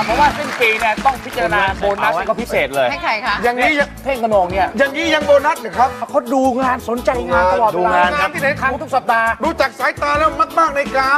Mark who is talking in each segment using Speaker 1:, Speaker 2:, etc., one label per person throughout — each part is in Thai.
Speaker 1: เพราะว่าสิ้นปีเนี่ยต้องพิจารณาโบนัสก็พิเศษเลย
Speaker 2: ให้ใครคะ
Speaker 1: อย่างนี้เพ่งกระโหนงเนี่ย
Speaker 3: อย่างนี้ยังโบนัสเหรอครับ
Speaker 1: เขาดูงานสนใจงานตลอดเวล
Speaker 3: ดูงานครับ
Speaker 1: ที่ไหนครั้งทุกสัปดาห์
Speaker 3: รู้จักสายตาแล้วมากๆในกาม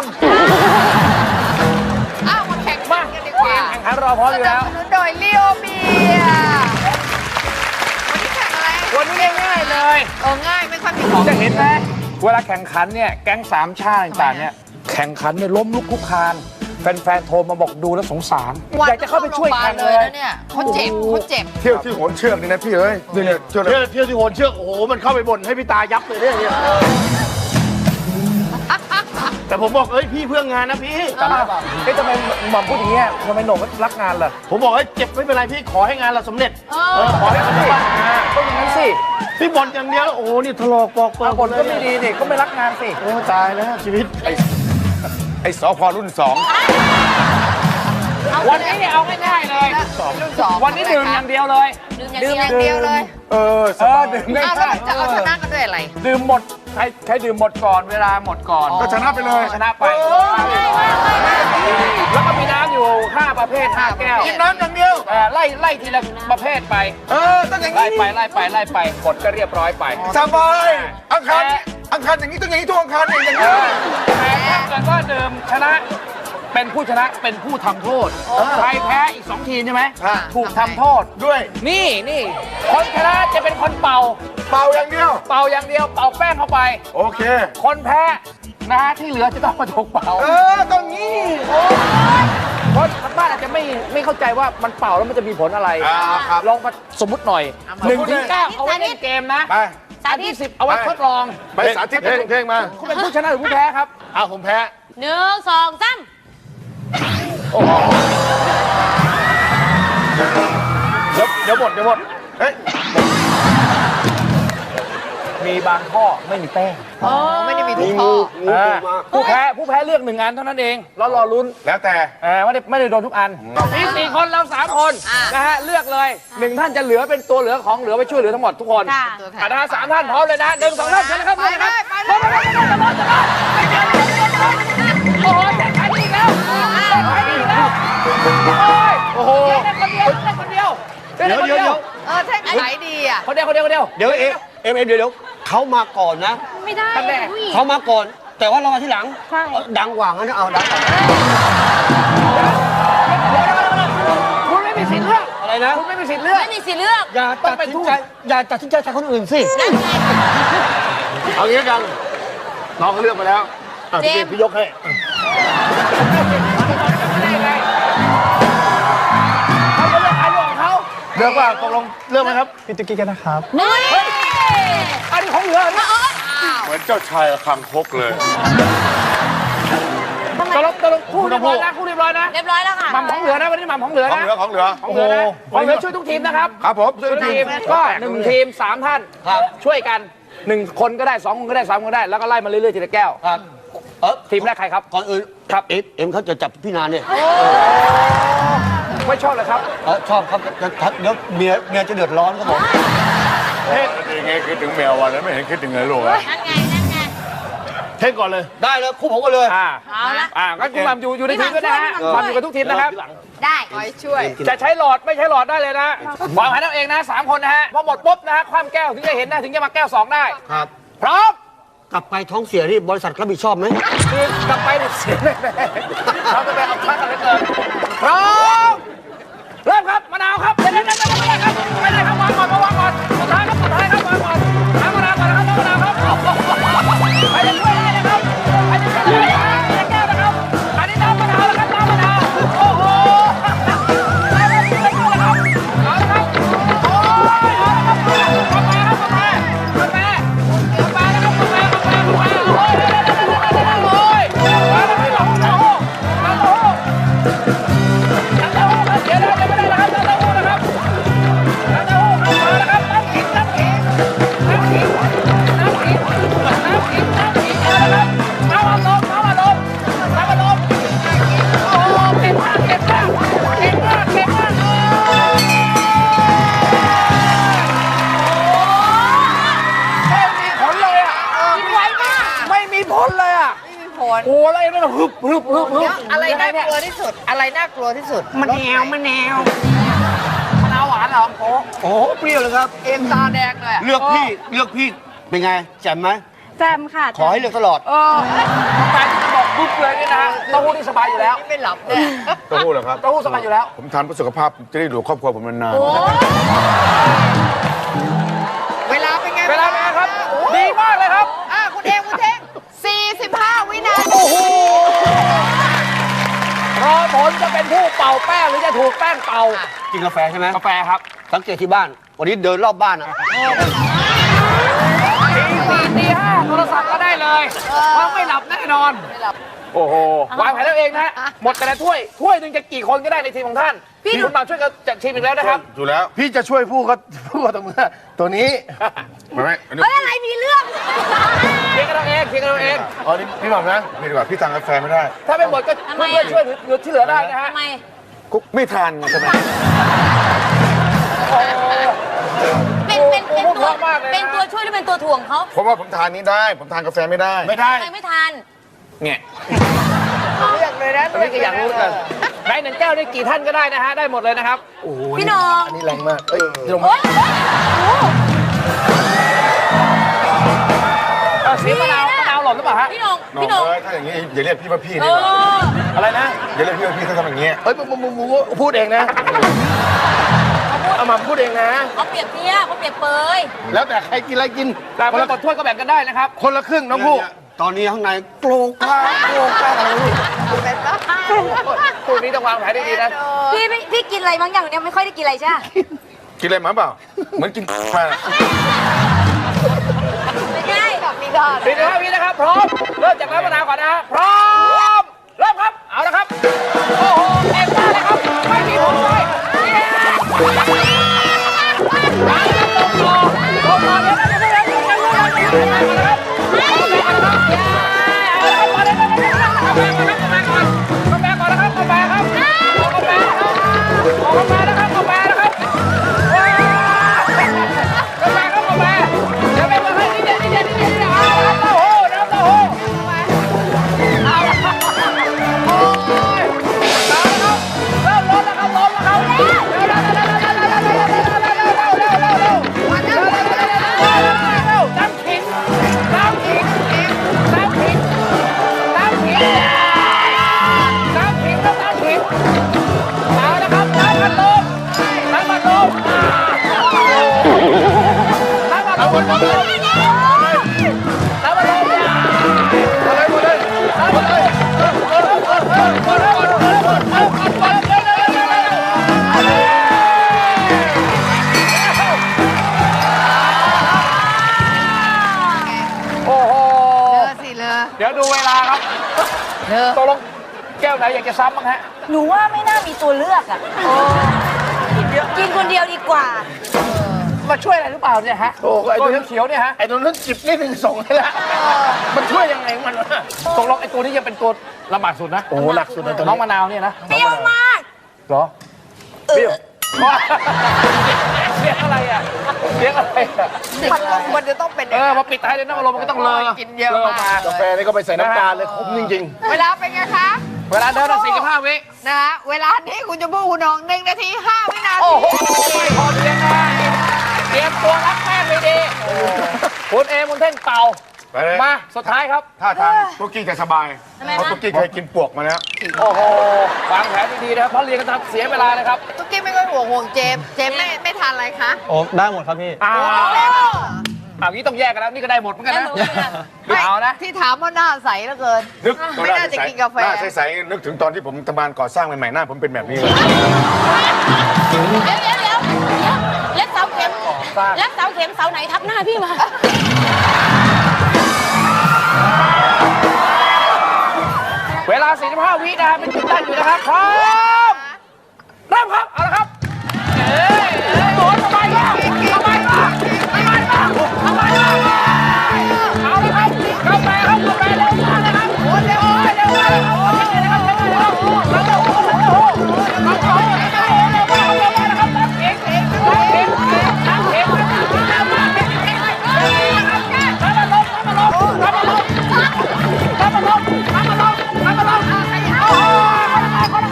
Speaker 2: อ้าวมาแข่ง
Speaker 1: มา
Speaker 2: กันดี
Speaker 1: เก
Speaker 2: กว่าม
Speaker 1: แข่งขันรอพร้อมอยู่แล้ว
Speaker 2: สนับสนุนโดยลีโอเบียวันนี้แข่งอะไร
Speaker 1: วันนี้ง่ายๆเลย
Speaker 2: ง่ายไม่ค่อยมีของ
Speaker 1: จะเห็นไหมเวลาแข่งขันเนี่ยแก๊งสามชาติต่างๆเนี่ยแข่งขันเนี่ยล้มลุกคลุกคลานแฟนๆโทรมาบอกดูแล้วสงสารอยากจะเข้าไปช่วยแข่งเลย
Speaker 2: นะเนี่ยเขาเจ็บเขาเจ็บ
Speaker 3: เที่ยวที่โหนเชือกนี่นะพี่เอ้ยเนี่ยเที่ยว
Speaker 4: เที่ยวที่โหนเชือกโอ้โหมันเข้าไปบ่นให้พี่ตายับเลยเนี่ยแต่ผมบอกเอ้ยพี่เพื่องานนะพี่
Speaker 1: ทำไมทำไมหม่อมพูดอย่างเงี้ยทำไมโหน่งรักงานล่ะ
Speaker 4: ผมบอกให้เจ็บไม่เป็นไรพี่ขอให้งานเราสำเร็จ
Speaker 1: ขอให้เขาได้ก็อย่างนั้นสิ
Speaker 4: พี่บ่นอย่างเดียวโอ้โหนี่ถลอกปอกเปิ
Speaker 1: บทก็ไม่ดีนี่ก็ไม่รักงานสิ
Speaker 4: โอ้ตายแล้วชีวิต
Speaker 3: ไอ้สพรุ่น2
Speaker 1: วันนี้เนี่ยเอาง่ายๆเลย
Speaker 2: รุ่นสอง
Speaker 1: วันนี้ดื่มอย่างเดียวเลย
Speaker 2: ดื่มอย่างเดียวเลย
Speaker 3: สบาย
Speaker 1: ดื่มง่
Speaker 2: อ้าวแล้ว
Speaker 1: าย
Speaker 2: มันจะเอาชนะกันด้วยอะไร
Speaker 1: ๆดื่มหมดใครดื่มหมดก่อนเวลาหมดก่อน
Speaker 3: ก็ชนะไปเลย
Speaker 1: ชนะไปแล้วก็มีน้ำอยู่5ประเภท5แก้ว
Speaker 3: กินน้ำอย่างเดียว
Speaker 1: ไล่ทีละประเภทไป
Speaker 3: ต้องอย่าง
Speaker 1: ไล่
Speaker 3: นี้
Speaker 1: ไปกดก็เรียบร้อยไป
Speaker 3: สบายอังคารอย่างนี้ต้องอย่างนี้ทุกอังคารอย่างนี้
Speaker 1: แต่ถ้าเกิดว่าดื่มชนะเป็นผู้ชนะเป็นผู้ทำโทษใครแพ้อีก2ทีมใช่ไหมถูกทำโทษ
Speaker 3: ด้วย
Speaker 1: นี่คนชนะจะเป็นคนเป่า
Speaker 3: เป่าอย่างเดียว
Speaker 1: เป่าอย่างเดียวเป่าแป้งเข้าไป
Speaker 3: โอเค
Speaker 1: คนแพ้นะฮะที่เหลือจะต้องมาถูกเป่า
Speaker 3: ต้องงี้
Speaker 1: เพราะทางบ้านอาจจะไม่เข้าใจว่ามันเป่าแล้วมันจะมีผลอะไร
Speaker 3: ครับ
Speaker 1: ลองมาสมมุติหน่อย1 ถึง 9เอาไว้เล่นเกมนะ
Speaker 3: ไป
Speaker 1: อันที่10เอาไว้ทดลอง
Speaker 3: ไปสาธิตเพลงมา
Speaker 1: คุณเป็นผู้ชนะหรือผู้แพ้ครับ
Speaker 4: เอาผมแพ้
Speaker 5: 1 2 3
Speaker 4: เดี๋ยวหมด
Speaker 3: เฮ้ย
Speaker 1: มีบางข้อไม่มีแป้ง
Speaker 2: ไม่ได้มีทุกข้อ
Speaker 1: ผู้แพ้เลือก1 อันเท่านั้นเองแล้วรอลุ้น
Speaker 3: แล้วแต่
Speaker 1: ไม่ได้โดนทุกอันมี4 คนเรา3 คนนะฮะเลือกเลย1 ท่านจะเหลือเป็นตัวเหลือของเหลือไปช่วยเหลือทั้งหมดทุกคน
Speaker 5: ค่ะ
Speaker 1: นะฮะ3 ท่านพร้อมเลยนะ1 2 ท่านเชิญเลยครับ
Speaker 2: ไปเลยไปเลย
Speaker 1: โอ้โหแข่งขันอีกแล้วโอ้โหเล่นคนเดียวเล่นคนเดียว
Speaker 4: เดี๋ยว
Speaker 2: แท่งไหนดีอ่ะ
Speaker 1: คนเดียวเดี๋ยว
Speaker 4: เดี๋ยวเดี๋ยวเขามาก่อนนะ
Speaker 5: ไม่ได้
Speaker 1: ท่านแรก
Speaker 5: ผู้หญิง
Speaker 4: เขามาก่อน แต่ว่าเรามาที่หลัง
Speaker 5: ใช่
Speaker 4: ดังกว่างั้นเอาดังก่อน
Speaker 1: คุณไม่มีสิทธิ์เลือก
Speaker 4: อะไรนะ
Speaker 1: คุณไม่มีสิทธิ์เลือก
Speaker 5: ไม่มีสิทธิ์เลือก
Speaker 4: อย่าตัดสินใจแทนคนอื่นสิ เอางี้กันน้องเขาเลือกมาแล้วพี่ยกให้
Speaker 1: เขาจะเลือกใครเลือกของเขา
Speaker 4: เลือกว่าตกลงเลือกไหมครับ
Speaker 6: พี่ตุ๊กกี้กันนะครับ
Speaker 5: นี่
Speaker 1: อันนี้ของเหลือนะ
Speaker 3: เหมือนเจ้าชายคังคกเลย
Speaker 1: ตลกคู่เรียบร้อยนะคู่เรียบร้อยนะ
Speaker 5: เรียบร้อยแล้วค่ะ
Speaker 1: หม่ำของเหลือนะวันนี้หม่ำของเหลือ
Speaker 3: ของ
Speaker 1: นะ
Speaker 3: เหลือของเหลือ
Speaker 1: ของเหลือนะของเหลือช่วยทุกทีมนะครับ
Speaker 3: ครับผมช่วย
Speaker 1: ทุก
Speaker 3: ที
Speaker 1: ที
Speaker 3: ม
Speaker 1: มก็1 ทีม 3 ท่านช่วยกัน1 คนก็ได้2 คนก็ได้3 คนก็ได้แล้วก็ไล่มาเรื่อยๆทีละแก้ว
Speaker 4: ครับ
Speaker 1: ทีมแรกใครครับ
Speaker 4: ก่อนอื่น
Speaker 1: ครับ
Speaker 4: เอ็มเขาจะจับพี่นานเนี่ย
Speaker 1: ไม่ชอบเลยครับ
Speaker 4: ชอบครับเดี๋ยวเมียจะเดือดร้อนครับผม
Speaker 3: ยังไงคิดถึงแมววันนั้นไม่เห็นคิดถึงเลยลูกอะ
Speaker 5: นั่นไง
Speaker 4: เท่งก่อนเลย ได้เลยคู่ผมก็เลย
Speaker 5: เอาละ
Speaker 1: ก็คุณหม่ำอยู่ในทีมด้วยนะฮะหม่ำอยู่กับทุกทีมนะครับ
Speaker 5: ได้
Speaker 2: คอยช่วย
Speaker 1: จะใช้หลอดไม่ใช้หลอดได้เลยนะวางแผนเอาเองนะ3 คนนะฮะพอหมดปุ๊บนะฮะคว่ำแก้วถึงจะเห็นนะถึงจะมาแก้ว2ได้
Speaker 4: ครับ
Speaker 1: พร้อม
Speaker 4: กลับไปท้องเสียที่บริษัทรับผิดชอบไหม
Speaker 1: คือกลับไปเนี่ยเสียแน่ๆเขาจะไปเอาพักอะไรเกินพร้อมเริ่มครับมะนาวครับเดี๋ยวครับไม่ได้ครับวางก่อนสุดท้ายครับวางก่อนน้ำมะนาวก่อนนะครับน้ำมะนาวครับไปจะช่วยได้นะครับไปจะช่วยได้นะครับแก้วนะครับอันนี้น้ำมะนาวนะครับน้ำมะนาวโอ้โหไปเลยครับเอาละครับโอ้ยเอาละครับกาแฟครับกาแฟโอ้ยโอ้ยมาแล้วครับ
Speaker 2: ที่สุด อะไรน่ากลัวที่สุด
Speaker 1: มะนาวหวานเหรอโอ้
Speaker 4: โอ้โหเปรี้ยวเลยครับ
Speaker 2: เอ็มตาแดงเลยอะ
Speaker 4: เลือกพี่เป็นไงแจ่มไหม
Speaker 5: แจมค่ะ
Speaker 4: ขอให้เลือกตลอด
Speaker 1: แฟนจะบอกปุ๊บเลยนี่นะฮะเต้าหู้ที่สบายอยู่แล้ว
Speaker 2: ไม่หลับเนี่ย
Speaker 3: เต้าหู้เหรอครับ
Speaker 1: เต้าหู้สบายอยู่แล้ว
Speaker 3: ผมทานเพื่อสุขภาพจะได้อยู่ครอบครัวผมนาน
Speaker 5: โอ้
Speaker 2: เวลาเป็นไง
Speaker 1: เวลาเป็นไงครับ ดีมากเลยครับ
Speaker 2: คุณเท่ง45 วินาที
Speaker 1: โอ้โหรอผลจะเป็นผู้เป่าแป้งหรือจะถูกแป้งเป่า
Speaker 4: กินกาแฟใช่ไหม
Speaker 1: กาแฟครับ
Speaker 4: สังเกตที่บ้าน วันนี้เดินรอบบ้านอะ
Speaker 1: ตีห้าโทรศัพท์ก็ได้เลยเพราะไม่หลับแน่นอน โอ้โห วางแผนแล้วเองนะฮะ หมดแต่ละถ้วยหนึ่งจะกี่คนก็ได้ในทีมของท่าน คุณมาช่วยกันจัดทีมอีกแล้วนะครับ
Speaker 3: ๆอยู่แล้ว
Speaker 4: พี่จะช่วยพูดก็ตรงนี้ตัวนี้
Speaker 3: ไม่อันนี้
Speaker 5: เฮ้ยอะไรมีเรื่อง
Speaker 1: เพียงกันเราเองเพียงกันเราเอง
Speaker 3: อ๋อนี่พี่บอกนะพี่ดีกว่าพี่ทานกาแฟไม่ได้
Speaker 1: ถ้าไม่หมดก็
Speaker 5: ทำไม
Speaker 1: เพื่อนๆช่วยเหลือที่เหลือได้นะฮะ
Speaker 5: ทำไม
Speaker 3: กุ๊กไม่ทานไงใช่ไหม
Speaker 5: เป็นตัวเป็นตัวช่วยหรือเป็นตัวถ่วงเขา
Speaker 3: เพราะว่าผมทานนี้ได้ ผมทานกาแฟไม่ได้
Speaker 4: ไม่ได้
Speaker 5: ทำไมไม่ทาน
Speaker 1: เนี่ย
Speaker 2: เลือกเลยนะ
Speaker 1: ตอนนี้ก็อยากรู้เหมือนกันได้หนึ่งแก้วได้กี่ท่านก็ได้นะฮะ ได้หมดเลยนะครับ
Speaker 4: โอ้โห
Speaker 5: พี่น้อง
Speaker 4: อันนี้แรงมากเอ้ยลง
Speaker 5: โอ๊ยโอ้
Speaker 1: เสียงมะนาวหล่นหรือเปล่าฮะ
Speaker 5: พี่น้อง
Speaker 3: น้อง
Speaker 5: พี่น้อง
Speaker 3: เอ้ยถ้าอย่างนี้อย่าเรียกพี่ว่าพี่
Speaker 5: เอ
Speaker 3: ดีกว่า
Speaker 5: อ
Speaker 1: อะไรนะ
Speaker 3: อย่าเรียกพี่ว่าพี่ถ้าทำอย่างนี้
Speaker 4: เฮ้ยมึงพูดเองนะเอามาพูดเองนะ
Speaker 5: เขาเปรียบเทียบเขาเปรียบเปย
Speaker 4: แล้วแต่ใครกินอะไรกิน
Speaker 1: แต่ไม่กดถ้วยก็แบ่งกันได้นะครับ
Speaker 4: คนละครึ่งน้องผู้ตอนนี้ข้างในโกรงกลางอะไรลูก
Speaker 2: เป็นปะ
Speaker 1: คู่นี้ต้องวางแผนดีๆนะ
Speaker 5: พี่กินอะไรบางอย่างเนี่ยไม่ค่อยได้กินอะไรใช่ไหม
Speaker 3: กินอะไรมาเปล่า เหมือนกินมา
Speaker 5: ไม่ใช่
Speaker 2: มีดอน
Speaker 1: 45 วินะครับ พร้อม เริ่มจากน้ำมะนาวก่อนนะฮะ พร้อม เริ่มครับ เอาละครับ โอ้โหเอ็มได้เลยครับ ไม่มีผลเลยลงต่อเดี๋ยวนะครับกาแฟก่อนนะครับกาแฟครับกาแฟนะครับกาแฟนะครับกาแฟครับกาแฟเดี๋ยวไปมาให้นิดเดียวเอาละครับเต้าหู้น้ำเต้าหู้เอาละครับโอ้ยเอาละครับเริ่มล้นแล้วครับล้นแล้วครับเร็วน้ำขิงน้ำขิงน้ำขิงน้ำขิงน้ำขิงน้ำขิงเอาละครับน้ำมันลมน้ำมันลมน้ำมันลมน้ำมันลมน้ำมันลมอะไรหมดเลยน้ำมันลมโอ้โห
Speaker 2: สิเลย
Speaker 1: เดี๋ยวดูเวลาครับตกลงแก้วไหนอยากจะซ้ำบ้างฮะ
Speaker 5: หนูว่าไม่น่ามีตัวเลือกอ่ะกินคนเดียวดีกว่า
Speaker 1: มาช่วยอะไรหรือเปล่าเนี่ยฮะ
Speaker 4: โอ้ไอ้
Speaker 1: ตัว
Speaker 4: ตัว
Speaker 1: เขียวๆเนี่ยฮะ
Speaker 4: ไอ้ตัวนั้นจิบนิดนึงส่งให้ละมันช่วยยังไงมันวะ
Speaker 1: ตกลงไอ้ตัวนี้จะเป็นตัวลำบากสุดนะ
Speaker 4: โอ้หนักสุดเลยตัว
Speaker 1: น้อง
Speaker 4: นี้
Speaker 1: มะนาวเนี่ยนะ
Speaker 5: เปรี้ยวมาก
Speaker 1: เหรอเปรี้ยวเสียงอะไรอ่ะเสียงอะไรอ่ะ
Speaker 2: พัดลมมันจะต้องเป็น
Speaker 1: มาปิดท้ายเลยน้ำอารมณ์มันก็ต้องเลอ
Speaker 2: กินเยอะมาก
Speaker 4: กาแฟนี่ก็ไปใส่น้ำตาลเลยขมจริง
Speaker 2: เวลาเป็นไงคะ
Speaker 1: เวลาเดิน45 วิ
Speaker 2: นะฮะเวลานี้คุณจะพูดคุณน้อง1 นาที 5 วินา
Speaker 1: โอ้
Speaker 2: ที
Speaker 1: โหพอเพียงนะเตรียมตัวรับแป้งไปดีคุณเอมุนเท่นเป่า
Speaker 3: ไปเลย
Speaker 1: มาสุดท้ายครับ
Speaker 3: ถ้าทางตุ๊กกี้จะสบาย
Speaker 5: ทำไม
Speaker 3: เพราะ
Speaker 5: คะ
Speaker 3: ตุ๊กกี้เคยกินปวกมาแล้ว
Speaker 1: โอ้โหวางแผนดีๆนะครับเพราะเรียนกันทำเสียเวลาเลยครับ
Speaker 2: ตุ๊กกี้ไม่ค่อยห่วงเจมส์ไม่ทานอะไรคะ
Speaker 6: โอ้ได้หมดครับพี่
Speaker 1: งี้ต้องแยกกันแล้วนี่ก็ได้หมดเหมือนกันนะ
Speaker 2: ไม่
Speaker 1: เอานะ
Speaker 2: ที่ถามว่าหน้าใสเหลือเกิน
Speaker 3: นึก
Speaker 2: ไม่น่าจะกินกาแฟ
Speaker 3: หน้าใสๆนึกถึงตอนที่ผมทำงานก่อสร้างใหม่ๆหน้าผมเป็นแบบนี้เลย
Speaker 5: เดี๋ยวแล้วเสาเข็มแล้วเสาเข็มเสาไหนทับหน้าพี่มา
Speaker 1: เวลา45 วินะฮะเป็นจุดตั้งอยู่นะครับพร้อมเริ่มครับเอาละครับโอ้ยสบายมากสบายมากสบายมากสบายมากเอาละครับกาแฟครับกาแฟเร็วมากนะครับโอ้ยเร็วมากเร็วมากโอ้ยเร็วนะครับเร็วมากน้ำเต้าหู้น้ำเต้าหู้น้ำเต้าหู้น้ำเต้าหู้เร็วมากเร็วมากนะครับน้ำเข็งน้ำเข็งน้ำเข็งน้ำมันลมน้ำมันลมน้ำมันลมน้ำมันลมน้ำมันลมน้ำมันลมน้ำมันลมโอ้โห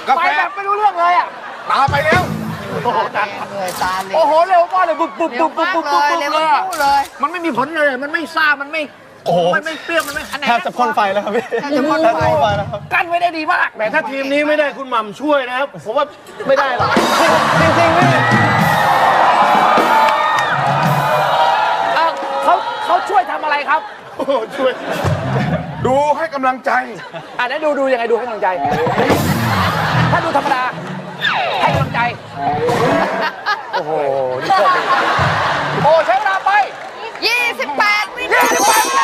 Speaker 3: กา
Speaker 1: ไป
Speaker 3: แฟ
Speaker 1: แบบไม่รู้เรื่องเลยอ่ะ
Speaker 3: ตาไปแล้ว
Speaker 2: เหนื่อยตาเลย
Speaker 1: โอ้โหเร็วมากเลยปุ๊บปุ๊บ
Speaker 2: เร็
Speaker 1: ปุ๊
Speaker 2: ว
Speaker 1: บปุ๊บ
Speaker 2: มาก
Speaker 1: ปุ๊บ
Speaker 2: เล
Speaker 1: ปุ๊บ
Speaker 2: ยเร็ว
Speaker 1: เลย
Speaker 2: ทั้
Speaker 1: อะ
Speaker 2: งคู่เลย
Speaker 1: มันไม่มีผลเลยมันไม่ซ่ามันไม่
Speaker 4: โอ้โห
Speaker 1: มันไม่เปรี้ยวมันไม่อันไหน
Speaker 4: แทบจะพ่นไฟแล้วครับพี่
Speaker 2: แทบจะพ่นไฟ
Speaker 4: แล้วครับ
Speaker 1: กั้นไว้ได้ดีมาก
Speaker 4: แต่ถ้าทีมนี้ไม่ได้คุณหม่ำช่วยนะครับผมว่าไม่ได้หรอกจริงๆพี่
Speaker 1: เขาช่วยทำอะไรครับ
Speaker 3: โอ้โหช่วย ดูให้กำลังใจ
Speaker 1: อ่ะนั้นดูยังไงดูให้กำลังใจ ถ้าดูธรรมดาให้กำลังใจ โอ้โหนี่โชคดีโอ้ใช้เวลาไป
Speaker 2: 28 วินาที
Speaker 1: 28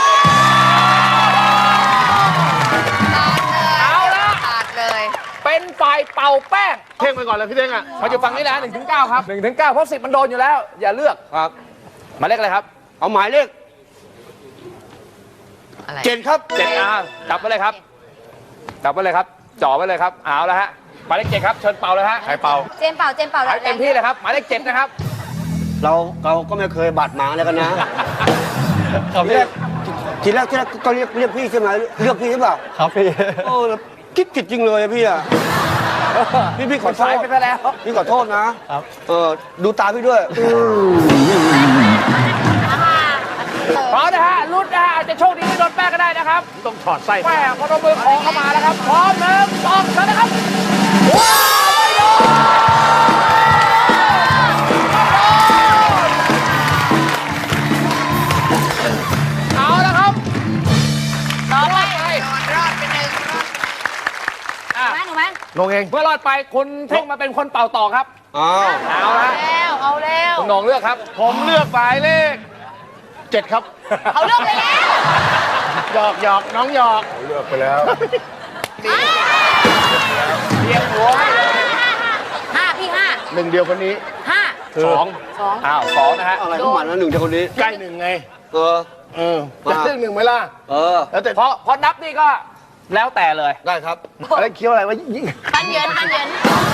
Speaker 1: เอาละ
Speaker 2: ขาดเลย
Speaker 1: เป็นฝ่ายเป่าแป้ง
Speaker 4: เท่งไปก่อนเลยพี่เท่งอ่ะ
Speaker 1: มาอยู่ฝั่งนี้นะ1 ถึง 9 ครับ1 ถึง 9 เพราะ10มันโดนอยู่แล้ว อย่าเลือก
Speaker 4: ครับ
Speaker 1: หมายเลขอะไรครับ
Speaker 4: เอาหมายเลข
Speaker 2: อะไร
Speaker 4: 7ครับ
Speaker 1: 7จับไว้เลยครับ จับไว้เลยครับ จ่อไว้เลยครับ เอาแล้วฮะ หมายเลข7ครับ เชิญเป่าเลยฮะ
Speaker 3: ใครเป่า
Speaker 5: เจมส์เป่าเจมส์เป่า
Speaker 1: ให้เต็มที่เลยครับ หมายเลข7นะครับ
Speaker 6: เราก็ไม่เคยบาดหมางอะไรกันนะ
Speaker 4: ครับ
Speaker 6: ที
Speaker 4: พี่
Speaker 6: แรกก็เรียกพี่ใช่ไหมเรียกพี่ใช่เปล่า
Speaker 4: ครับพี่
Speaker 6: โอ้คิดผิดจริงเลยอะพี่อะพี่ขอโท
Speaker 1: สาย
Speaker 6: ษ
Speaker 1: ไปซะแล้ว
Speaker 6: พี่ขอโทษนะครับ ดูตาพี่ด้วย
Speaker 1: พร้อมนะฮะลุ้นนะฮะอาจจะโชคดีไม่โดนแป้งก็ได้นะครับ
Speaker 4: ต้องถอดไส้
Speaker 1: แป้งพอโดนมือคอเข้ามาแล้วครับ พร้อม1 2 3นะครับ ว้าวไม่โดนเอาละครับ
Speaker 5: ต่อไป
Speaker 2: รอดไปหนึ่ง
Speaker 1: อ่ะ
Speaker 5: หนูไหม
Speaker 4: ลงเอง
Speaker 1: เมื่อรอดไปคุณเท่งมาเป็นคนเป่าต่อครับ
Speaker 6: อ้าว
Speaker 1: เอาละ
Speaker 5: แล้วเอาแล้ว
Speaker 1: คุณโหนงเลือกครับ
Speaker 4: ผมเลือกหมายเลข 7 ครับ
Speaker 5: เขาเลือกไปแล้ว
Speaker 4: หยอกหยอกน้องหยอก
Speaker 3: เลือกไปแล้ว
Speaker 1: เรียงหัวให้
Speaker 5: 5พี่
Speaker 4: หนึ่งเดียวคนนี้
Speaker 5: 5
Speaker 4: สอง
Speaker 5: 2
Speaker 1: อ้าว2นะฮะ
Speaker 6: อะไรของมันนะหนึ่งจากคนนี้
Speaker 4: ใกล้หนึ่งไง
Speaker 6: เออ
Speaker 4: จะเลือกหนึ่งไหมล่ะ
Speaker 6: เออ
Speaker 4: แล้วแต่
Speaker 1: พอนับนี่ก็แล้วแต่เลย
Speaker 6: ได้ครับ
Speaker 4: อะไรเคี้ยวอะไรวะยิ่ง
Speaker 5: ปันเยินปันเยิน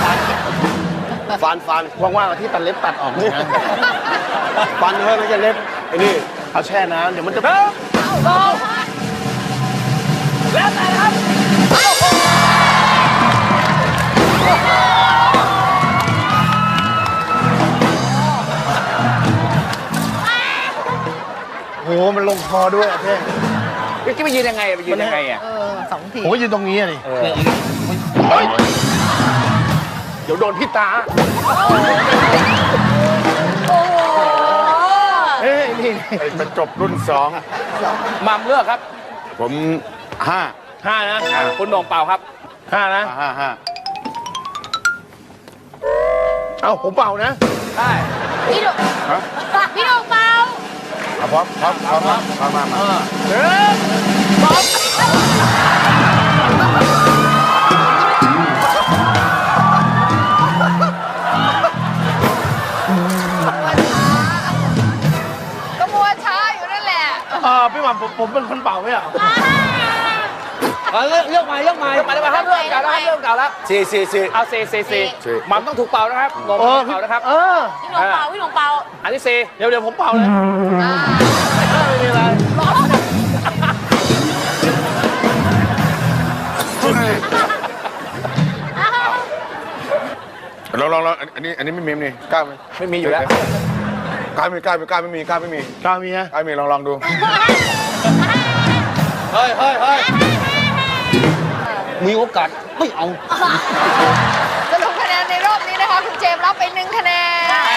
Speaker 6: ฟัน
Speaker 4: ว่างๆเอาที่ตัดเล็บตัดออกนะ
Speaker 6: ฟันเฮ้ยไม่ใช่เล็บไอ้นี่
Speaker 4: เอาแช่น้ำเดี๋ยวมันจะ
Speaker 1: 1 2แล้วแต่นะครับ
Speaker 4: โหมันลงคอด้วยอะเท่ง
Speaker 1: พี่กิ๊บไปยืนยังไงไปยืนยังไงอ่ะ
Speaker 2: 2 ที
Speaker 4: ผมก็ยืนตรงนี้อะดิ
Speaker 1: เออ
Speaker 4: เฮ้ยเดี๋ยวโดนพี่ตา
Speaker 5: โอ้โห
Speaker 4: เฮ้ยนี่
Speaker 3: ไอ้จะจบรุ่น
Speaker 1: มัมเลือกครับ
Speaker 3: 2 ผม5
Speaker 4: ห้านะ
Speaker 1: คุณโหนงเป่าครับ
Speaker 4: ห้านะ
Speaker 3: 5
Speaker 4: เอาผมเป่านะ
Speaker 1: ได้
Speaker 5: พี่ดุพี่ดุเป่า
Speaker 3: พร้อมมา
Speaker 2: ก็มัวช้าอยู่นั่นแหละ
Speaker 4: พี่หม่ำผมเป็นคนเป่าไหมอ่ะ
Speaker 6: เลือกใหม่เลือกใหม่
Speaker 1: มาเลยมาครับเริ่มเก่าแล้วครับเริ่มเก่าแล้ว
Speaker 6: สี่
Speaker 1: เอาเซมัมต้องถูกเป่านะครับโหนงต้องเป่านะครับ
Speaker 5: พี่หนงเป่าพี่หนงเป่า
Speaker 1: อันที่
Speaker 4: เดี๋ยวผมเป่าเลย ไม่มีอะไร
Speaker 3: ลองอันนี้ไม่มีนี่กล้าไหม
Speaker 1: 4ไม่มีอยู่แล้ว
Speaker 3: กล้าไม่มีกล้าไม่มี
Speaker 4: กล้ามีนะ
Speaker 3: กล้ามีลองดู
Speaker 6: เฮ้ยมีโอกาสไม่เอา
Speaker 2: สรุปคะแนนในรอบนี้นะคะ คุณเจมส์รับไป1 คะแนน